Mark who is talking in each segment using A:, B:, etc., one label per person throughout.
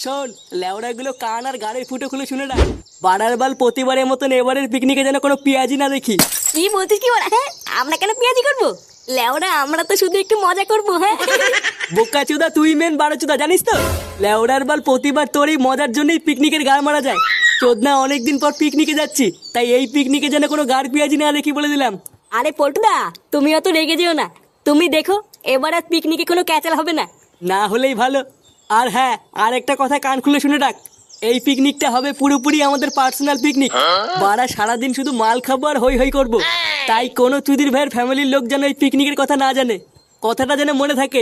A: শোন, লেওড়াগুলো কান আর গাড়ির ফুটো খুলে শুনে রাখ। বাড়ার বাল প্রতিবারের মতন এবারের পিকনিকে যেন কোনো পেঁয়াজি না দেখি।
B: কি বলছিস কি বলা? হ্যাঁ, আমরা কেন পেঁয়াজি করবো? লেওরা আমরা তো শুধু একটু মজা করবো। হ্যাঁ
A: বোকা চুদা, তুই মেন বারো চুদা, জানিস তো? লেওড়ার বাল প্রতিবার তোর এই মজার জন্যই পিকনিকের গাড় মারা যায়। চোদনা অনেকদিন পর পিকনিকে যাচ্ছি, তাই এই পিকনিকে যেন কোনো গাড় পেঁয়াজি না দেখি বলে দিলাম।
B: আরে পল্টুদা, তুমি অত রেগে যেও না। তুমি দেখো, এবার আর পিকনিকে কোনো ক্যাচাল হবে না।
A: না হলেই ভালো। আর হ্যাঁ, আর একটা কথা কান খুলে শুনে রাখ, এই পিকনিকটা হবে পুরোপুরি আমাদের পার্সোনাল পিকনিক। বারা সারাদিন শুধু মাল খাবো আর হই হই করবো। তাই কোনো চুদির ভাইয়ের ফ্যামিলির লোক যেন এই পিকনিকের কথা না জানে, কথাটা যেন মনে থাকে।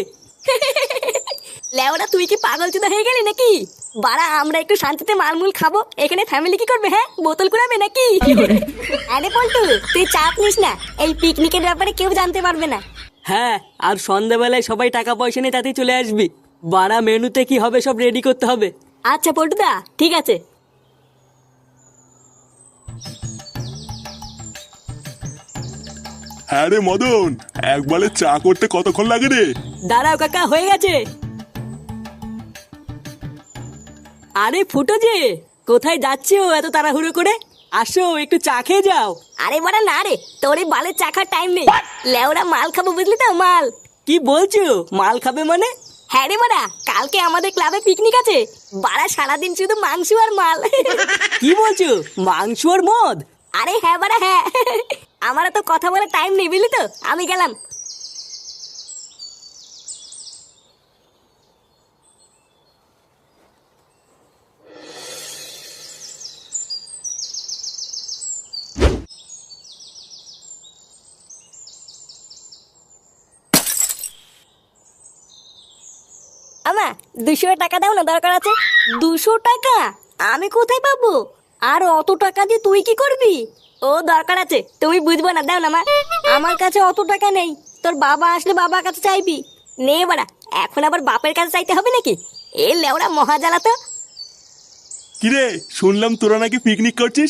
B: লেওরা তুই কি পাগল চুদা হয়ে গেলি নাকি? বাড়া আমরা একটু শান্তিতে মালমুল খাবো, এখানে ফ্যামিলি কি করবে? হ্যাঁ, বোতল কুড়াবে নাকি? আরে পল্টু, তুই চাপ নিস না, এই পিকনিকের ব্যাপারে কেউ জানতে পারবে না।
A: হ্যাঁ, আর সন্ধ্যাবেলায় সবাই টাকা পয়সা নিয়ে তাতেই চলে আসবি। বারা মেনুতে কি হবে সব রেডি করতে হবে।
B: আচ্ছা পল্টুদা, ঠিক আছে।
C: হ্যাঁ রে মদন, একবারে চা করতে কতক্ষণ লাগে রে?
A: দাঁড়াও কাকা, হয়ে গেছে। আরে ফুটো যে, কোথায় যাচ্ছো এত তাড়াহুড়ো করে? আসো একটু চা খেয়ে যাও।
B: আরে বাড়া না রে, তোর এই বালের চাখার টাইম নেই। লেওরা মাল খাবো, বুঝলি তো? মাল।
A: কি বলছো? মাল খাবে মানে?
B: হ্যাঁ রে বাড়া, কালকে আমাদের ক্লাবে পিকনিক আছে। বাড়া সারাদিন শুধু মাংস আর মাল।
A: কি বলছো? মাংস আর মদ?
B: আরে হ্যাঁ বাড়া হ্যাঁ। আমার তো কথা বলার টাইম নেই, বুঝলি তো? আমি গেলাম। আমা 200 টাকা দাও না, দরকার আছে। 200 টাকা? আমি কোথায় পাবো? আর অত টাকা দিয়ে তুই কি করবি? ও দরকার আছে, তুমি বুঝবো না, দাও না মা। আমার কাছে অত টাকা নেই, তোর বাবা আসলে বাবার কাছে চাইবি। নে বাড়া, এখন আবার বাপের কাছে চাইতে হবে নাকি? এ লেওড়া মহাজালা তো।
C: কিরে, শুনলাম তোরা নাকি পিকনিক করছিস?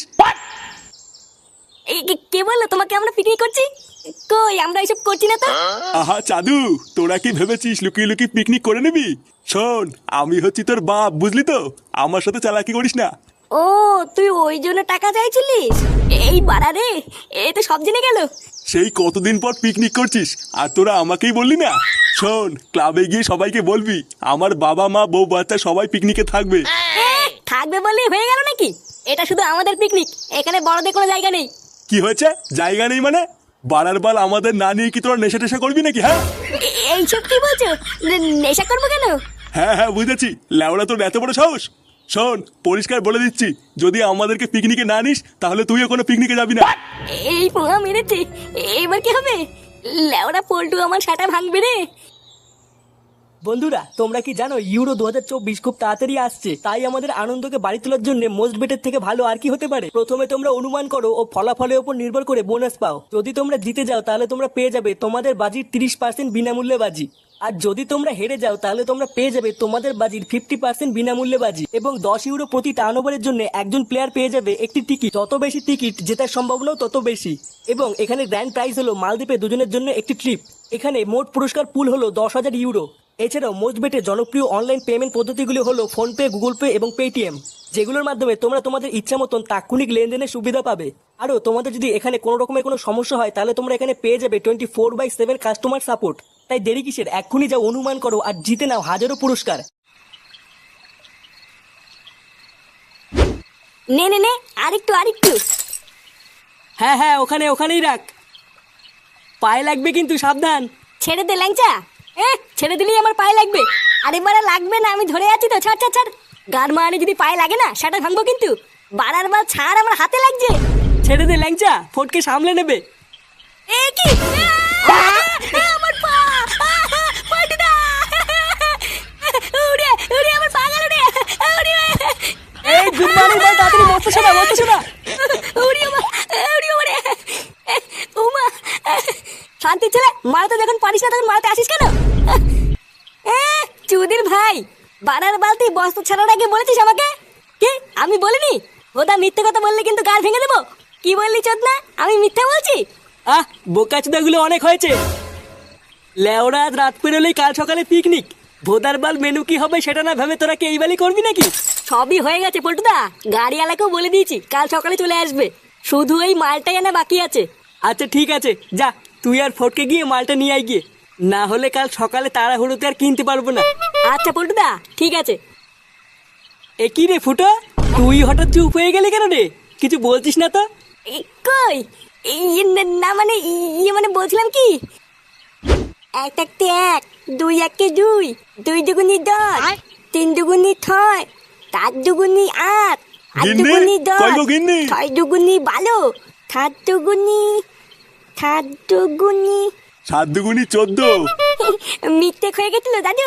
B: এই কে বললো তোমাকে আমরা পিকনিক করছি? কই, আমরা এসব করছি না তো।
C: আহা চাদু, তোরা কি ভেবেছিস লুকিয়ে লুকিয়ে পিকনিক করে নিবি? শোন, আমি হচ্ছি তোর বাপ, বুঝলি তো? আমার সাথে চালাকি করিস না।
B: ও, তুই ওই জন্য টাকা চাইছিলিস? এই বাড়া রে, এ তো সব জেনে গেল।
C: সেই কতদিন পর পিকনিক করছিস আর তোরা আমাকেই বললি না? শোন, ক্লাবে গিয়ে সবাইকে বলবি আমার বাবা মা বউ বাচ্চা সবাই পিকনিকে থাকবে।
B: থাকবে বললেই হয়ে গেল নাকি? এটা শুধু আমাদের পিকনিক, এখানে বড়দের কোনো জায়গা নেই।
C: কি হয়েছে? জায়গা নেই মানে? বাড়ার বাল আমাদের না নিয়ে কি তোরা নেশা টেশা করবি নাকি? হ্যাঁ
B: এইসব কি বলছো? নেশা করবো কেন?
C: হ্যাঁ হ্যাঁ বুঝেছি, ল্যাওড়া তোর এত বড় সাহস। শোন, পরিষ্কার বলে দিচ্ছি, যদি আমাদেরকে পিকনিকে না নিস তাহলে তুইও কোনো পিকনিকে যাবি না।
B: এই পোহা মেরেছে, এবার কি হবে? লেওরা পল্টু আমার সাটা ভাঙবে রে।
A: বন্ধুরা, তোমরা কি জানো ইউরো 2024 খুব তাড়াতাড়ি আসছে? তাই আমাদের আনন্দকে বাড়ি তোলার জন্য মোস্ট বেটের থেকে ভালো আর কি হতে পারে? প্রথমে তোমরা অনুমান করো ও ফলাফলের উপর নির্ভর করে বোনাস পাও। যদি তোমরা জিতে যাও তাহলে তোমরা পেয়ে যাবে তোমাদের বাজির 30% বিনামূল্যে বাজি। আর যদি তোমরা হেরে যাও তাহলে তোমরা পেয়ে যাবে তোমাদের বাজির 50% বিনামূল্যে বাজি। এবং 10 ইউরো প্রতি টার্ন ওভারের জন্য একজন প্লেয়ার পেয়ে যাবে একটি টিকিট। যত বেশি টিকিট জেতার সম্ভাবনাও তত বেশি। এবং এখানে গ্র্যান্ড প্রাইজ হলো মালদ্বীপে দুজনের জন্য একটি ট্রিপ। এখানে মোট পুরস্কার পুল হলো 10,000 ইউরো। এছাড়াও মোস্ট বেটের জনপ্রিয় অনলাইন পেমেন্ট পদ্ধতিগুলি হলো ফোনপে, গুগল পে এবং পেটিএম, যেগুলোর মাধ্যমে তোমরা তোমাদের ইচ্ছা মতন তাৎক্ষণিক লেনদেনের সুবিধা পাবে। আরও তোমাদের যদি এখানে কোনো রকমের কোনো সমস্যা হয় তাহলে তোমরা এখানে পেয়ে যাবে 24/7 কাস্টমার সাপোর্ট। তাই দেরি কিসের, এক্ষুনি যাও অনুমান করো আর জিতে নাও হাজারো পুরস্কার।
B: নে নে নে, আরেকটু আরেকটু।
A: হ্যাঁ হ্যাঁ, ওখানেই রাখ, পায়ে লাগবে কিন্তু, সাবধান।
B: ছেড়ে দে ল্যাংচা। ছেড়ে দিলেই আমার পায়ে লাগবে। আরে বাড়া লাগবে না, আমি ধরে আছি তো। ছাড় ছাড় ছাড়। গান মারানি যদি পায়ে লাগে না, সেটা ভাঙবো কিন্তু। বাড়ার বার ছাড়, আমার হাতে লাগছে।
A: ছেড়ে দে ল্যাংচা, ফটকে সামলে নেবে।
B: এ কি? আমার পা! পল্টুদা! উড়ে উড়ে আমার পা গেল রে। উড়ে
A: এই গুড মর্নিং বল, তাড়াতাড়ি মস্ত শোনা, মস্ত শোনা।
B: উড়ে উড়ে উমা! শান্তি ছেলে, মারাতে যখন পারিস না তখন মারাতে আসিস কেন? চুদির ভাই, বানার বালতি বস্তা ছাড়ার আগে বলেছিস আমাকে? কি আমি বলিনি? ওটা মিথ্যে কথা বললে কিন্তু গাল ভেঙে দেবো। কি বললি চোদনা? আমি মিথ্যা বলছি?
A: বোকাচোদাগুলো অনেক হয়েছে। লেওরা আজ রাত পেরোলেই কাল সকালে পিকনিক। ভোদার বাল মেনু কি হবে সেটা না ভেবে তোরা কি এই বালি করবি নাকি?
B: সবই হয়ে গেছে পল্টুদা, গাড়িওয়ালাকেও বলে দিয়েছি কাল সকালে চলে আসবে, শুধু এই মালটাই আনা বাকি আছে।
A: আচ্ছা ঠিক আছে, যা তুই আর ফটকে গিয়ে মালটা নিয়ে আয় গিয়ে, না হলে কাল সকালে তাড়াহুড়োতে আর কিনতে পারবো না।
B: আচ্ছা পল্টুদা ঠিক আছে।
A: এ কি রে ফুটো, তুই হঠাৎ চুপ হয়ে গেলি কেন রে? কিছু বলছিস না তো?
B: কই না মানে মানে বলছিলাম কি, এক একটি এক, দুই একে দুই, দুই দুগুনি দশ, তিন দুগুনি ছয়, চার দুগুনি আট, আট
C: গিন্নি,
B: দুগুনি
C: কই
B: দশ,
C: গো গিন্নি?
B: ছয় দুগুনি 12, সাত দুগুনি
C: 7 দুগুনি 14।
B: মিথ্যে হয়ে গেছিল দাদু।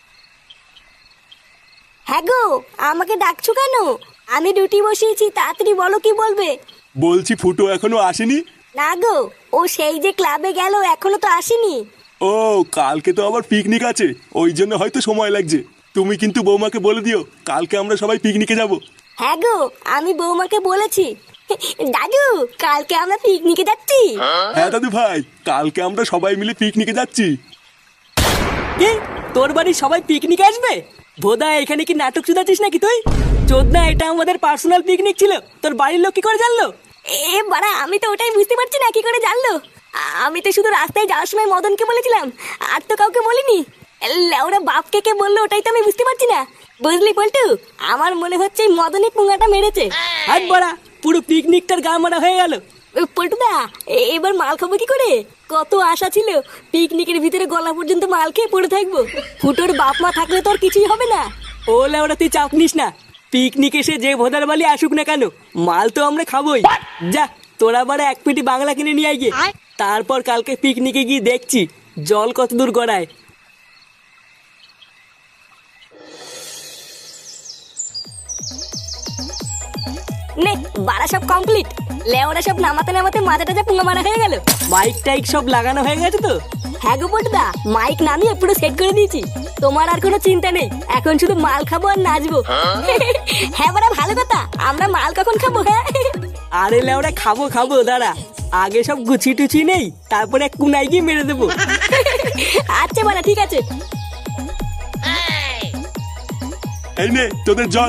B: হ্যাঁ গো, আমাকে ডাকছো কেন? আমি ডিউটি বসিয়েছি, তাড়াতাড়ি বলো কি বলবে।
C: বলছি ফুটো এখনো আসেনি?
B: না গো, ও সেই যে ক্লাবে গেল এখনো তো আসেনি।
C: ও কালকে তো আবার পিকনিক আছে, ওই জন্য হয়তো সময় লাগছে। তুমি কিন্তু বৌমাকে বলে দিও কালকে আমরা সবাই পিকনিকে যাব।
B: হ্যাঁ গো, আমি বৌমাকে বলেছি। দাদু, কালকে আমরা পিকনিকে যাচ্ছি।
C: হ্যাঁ দাদু ভাই, কালকে আমরা সবাই মিলে পিকনিকে যাচ্ছি।
A: কি, তোর বাড়ির সবাই পিকনিক আসবে? ভোদা এখানে কি নাটক চুদাচ্ছিস নাকি তুই? চোদনা, এটা আমাদের পার্সোনাল পিকনিক ছিল, তোর বাড়ির লোক কি করে জানলো?
B: এ বাড়া, আমি তো ওটাই বুঝতে পারছি না কি করে জানলো। আমি তো শুধু রাস্তায় যাওয়ার সময় মদনকে বলেছিলাম, আর তো কাউকে বলিনি। ওরা বাপকে কে বললো ওটাই তো আমি বুঝতে পারছি না। বুঝলি পল্টু, আমার মনে হচ্ছে এই মদনই পুঙ্গাটা মেরেছে।
A: হাত বড়া, পুরো পিকনিকটার গা মারা হয়ে গেল।
B: পল্টুদা, এবার মাল খাবো কি করে? কত আশা ছিল পিকনিকের ভিতরে গলা পর্যন্ত মাল খেয়ে পড়ে থাকবো। ফুটোর বাপ মা থাকলে তো আর কিছুই হবে না।
A: ও লেওড়া, তুই চাপ নিস না, পিকনিক এসে যে ভোদার বালি আসুক না কেন, মাল তো আমরা খাবোই। যা, তোরা বারে এক পেটি বাংলা কিনে নিয়ে আয় গিয়ে, তারপর কালকে পিকনিকে গিয়ে দেখছি জল কত দূর গড়ায়।
B: নে বাড়া, সব কমপ্লিট। লেওরা সব নামাতে নামাতে মাথাটা যা পুঙ্গা মারা হয়ে গেল।
A: মাইক টাইক সব লাগানো হয়ে গেছে তো?
B: হ্যাঁ গো পল্টুদা, মাইক নামিয়ে পুরো সেট করে দিয়েছি। তোমার আর কোনো চিন্তা নেই, এখন শুধু মাল খাবো আর নাচবো। হ্যাঁ বাড়া, ভালো কথা। আমরা মাল কখন খাবো? হ্যাঁ
A: আরে লেওড়া, খাবো খাবো, দাঁড়া আগে সব গুছি টুচি নেই, তারপরে এক কুনাই গিয়ে মেরে দেবো।
B: আচ্ছা বাড়া, ঠিক আছে।
C: এই নে তোদের জল।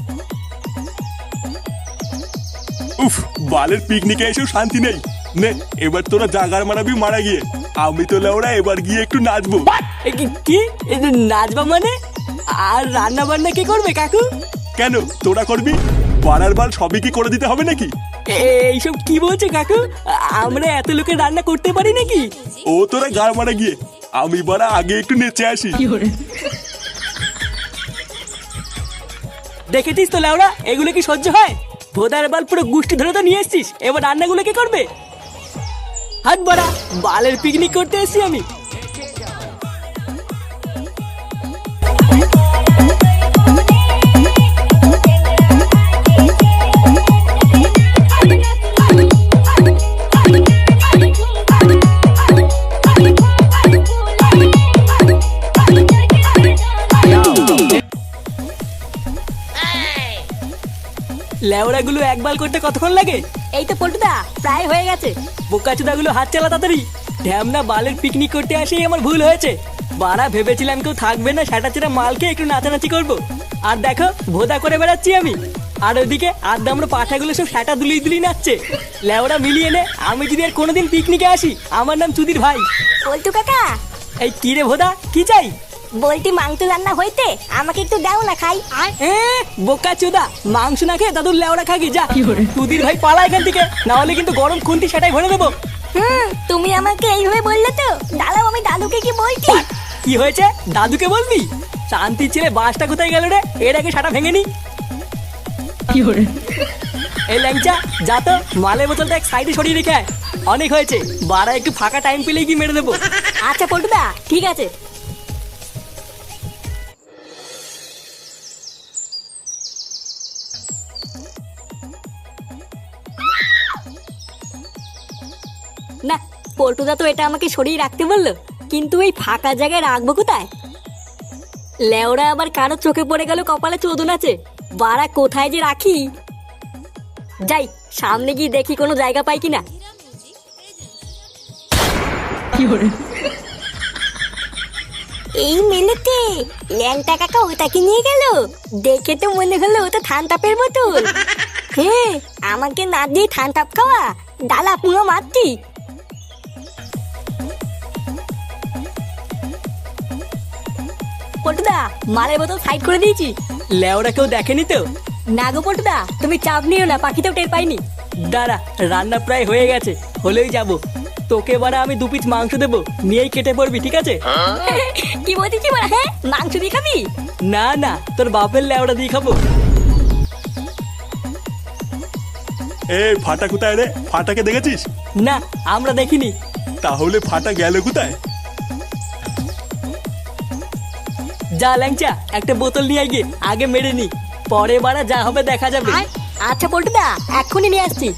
C: উফ, বালের পিকনিকে এসেও শান্তি নেই। নে এবার তোরা জাগার মারাবি মারা গিয়ে, আমি তো লেওড়া এবার গিয়ে একটু নাচবো।
A: কি এই যে নাচবা মানে? আর রান্না বান্না কে করবে কাকু?
C: কেন, তোরা করবি? বাড়ার বাল সবই কি করে দিতে হবে নাকি?
A: এইসব কি বলছে কাকু? আমরা এত লোকের রান্না করতে পারি নাকি?
C: ও তোরা গাড় মারা গিয়ে, আমি বাড়া আগে একটু নেচে আসি।
A: দেখেছিস তো লেওড়া, এগুলো কি সহ্য হয়? ভোদার বাল পুরো গুষ্টি ধরে তো নিয়ে এসছিস, এবার রান্নাগুলো কে করবে? হাত বাড়া, বালের পিকনিক করতে এসছি আমি। লেওড়াগুলো একবার করতে কতক্ষণ লাগে?
B: এই তো পল্টুদা, প্রায় হয়ে গেছে।
A: বোকাচোদাগুলো হাত চালা তাড়াতাড়ি। ঢ্যামনা বালের পিকনিক করতে আসেই আমার ভুল হয়েছে। বাড়া, ভেবেছিলাম কেউ থাকবে না, সেটা ছেড়ে মালকে একটু নাচানাচি করবো, আর দেখো ভোদা করে বেড়াচ্ছি আমি। আর ওইদিকে আড্ডা আমরা পাঠাগুলো সব সেটা দুলিয়ে দুলিয়ে নাচছে। লেওড়া মিলিয়ে নে, আমি যদি আর কোনোদিন পিকনিকে আসি, আমার নাম চুদির ভাই।
B: পল্টু কাকা,
A: এই কি রে ভোদা, কি চাই?
B: বলটি মাংস রান্না হইতে, আমাকে একটু দাও না খাই।
A: বোকা চোদা, মাংস না খেয়ে দাদুর লেওড়া খাগি যা। চুদির ভাই পালা এখান থেকে, না হলে কিন্তু গরম খুন্তি সেটাই ভরে দেবো।
B: তুমি আমাকে এইভাবে বললে তো, দাঁড়াও আমি দাদুকে কি বলছি।
A: কি হয়েছে, দাদুকে বলবি? শান্তির ছেলে বাসটা কোথায় গেল রে? এর আগে সাটা ভেঙে নি। এই ল্যাংচা, যা তো মালের বোতলটা এক সাইডে সরিয়ে রেখে আয়। অনেক হয়েছে, বাড়া একটু ফাঁকা টাইম পেলেই কি মেরে দেবো।
B: আচ্ছা পল্টুদা, ঠিক আছে। না, পল্টুদা তো এটা আমাকে সরিয়ে রাখতে বললো, কিন্তু এই ফাঁকা জায়গায় রাখবো কোথায়? লেওরা আবার কারো চোখে পড়ে গেল কপালে চোদন আছে, বাড়া কোথায় যে রাখি। যাই সামনে গিয়ে দেখি কোনো জায়গা পাই কিনা। এই মেলেতে ল্যাংটা কাকা ওটাকে নিয়ে গেল। দেখে তো মনে হলো ওটা থানতাপের বোতল। হ্যাঁ, আমাকে না দিয়ে থানতাপ খাওয়া, ডালা পুরো মারতি। পটুদা, মালের বোতল সাইড করে দিয়েছি।
A: লেওরা কেউ দেখেনি তো?
B: না গো পটুদা, তুমি চাপ নিও না, পাখিতেও টের পাইনি।
A: দাঁড়া, রান্না প্রায় হয়ে গেছে, হলেই যাব। তোকে বারা আমি 2 পিস মাংস দেবো, নিয়েই কেটে পড়বি, ঠিক আছে?
B: কি বলছিস কি বলা? হ্যাঁ, মাংস দিয়ে খাবি?
A: না না, তোর বাপের লেওড়া দিয়ে খাবো।
C: এ ফাটা কোথায় রে? ফাটাকে দেখেছিস?
A: না, আমরা দেখিনি।
C: তাহলে ফাটা গেল কোথায়?
A: যা ল্যাংচা, একটা বোতল নিয়ে গিয়ে আগে মেরে নি, পরে বারা যা হবে দেখা যাবে।
B: আচ্ছা পটুদা, এক্ষুনি নিয়ে আসছি।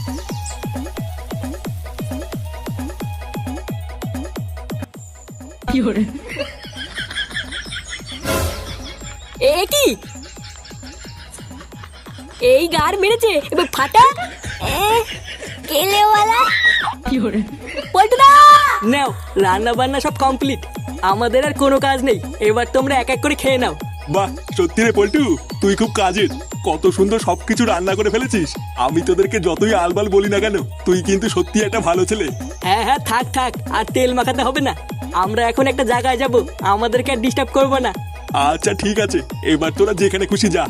B: এ কি? এই গার মেরেছে এবার ফাটা। কেলেওয়ালা পটুদা।
A: নাও, রান্না বান্না সব কমপ্লিট, আমাদের আর কোনো কাজ নেই। এবার তোমরা এক এক করে খেয়ে নাও।
C: বাহ, সত্যি রে পল্টু, তুই খুব কাজের। কত সুন্দর সবকিছু রান্না করে ফেলেছিস। আমি তোদেরকে যতই আলবাল বলি না কেন, তুই কিন্তু সত্যি একটা ভালো ছেলে।
A: হ্যাঁ হ্যাঁ, থাক থাক, আর তেল মাখাতে হবে না। আমরা এখন একটা জায়গায় যাব, আমাদেরকে আর ডিস্টার্ব করবো না।
C: আচ্ছা ঠিক আছে, এবার তোরা যেখানে খুশি যা।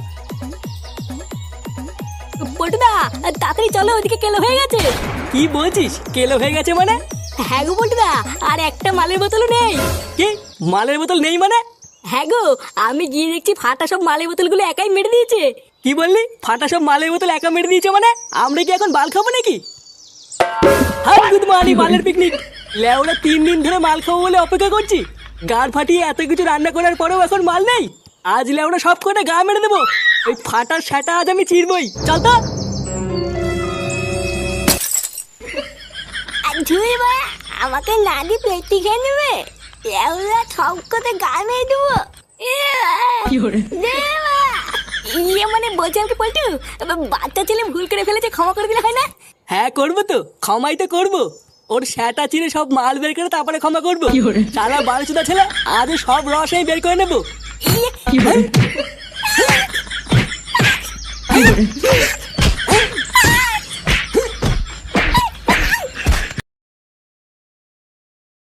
B: পটুদা, তাড়াতাড়ি চলো, ওদিকে কেলো হয়ে গেছে।
A: কি বলছিস? কেলো হয়ে গেছে মানে?
B: হ্যাঁ গো পটুদা, আর একটা মালের বোতলও নেই।
A: কি মালের বোতল নেই মানে?
B: হ্যাঁ গো, আমি গিয়ে দেখছি ফাটা সব মালের বোতলগুলো একাই মেরে দিয়েছে।
A: কি বললি? ফাটা সব মালের বোতল একা মেরে দিয়েছে মানে? আমরা কি এখন বাল খাবো নাকি? হাই গুড মর্নিং, মালের পিকনিক। লেওরা 3 দিন ধরে মাল খাবো বলে অপেক্ষা করছি, গাড় ফাটিয়ে এত কিছু রান্না করার পরেও এখন মাল নেই। আজ লেওরা সব কটা গা মেরে দেবো। ওই ফাটার সেটা আজ আমি চিরবই। চল তো।
B: ধুই বা, আমাকে না দি পেটি খেয়ে নেবে। এওলা সব কথা গা মেরে দেবো। ইয়ে মানে বলছি আমাকে পল্টু, বাচ্চা ছেলে ভুল করে ফেলেছে, ক্ষমা করে দিলে হয় না?
A: হ্যাঁ করবো তো, ক্ষমাই তো করবো। ওর সেটা চিরে সব মাল বের করে তারপরে ক্ষমা করবো। সারা বালচুদা ছেলে, আজ সব রস আমি বের করে নেবো।
B: ইয়ে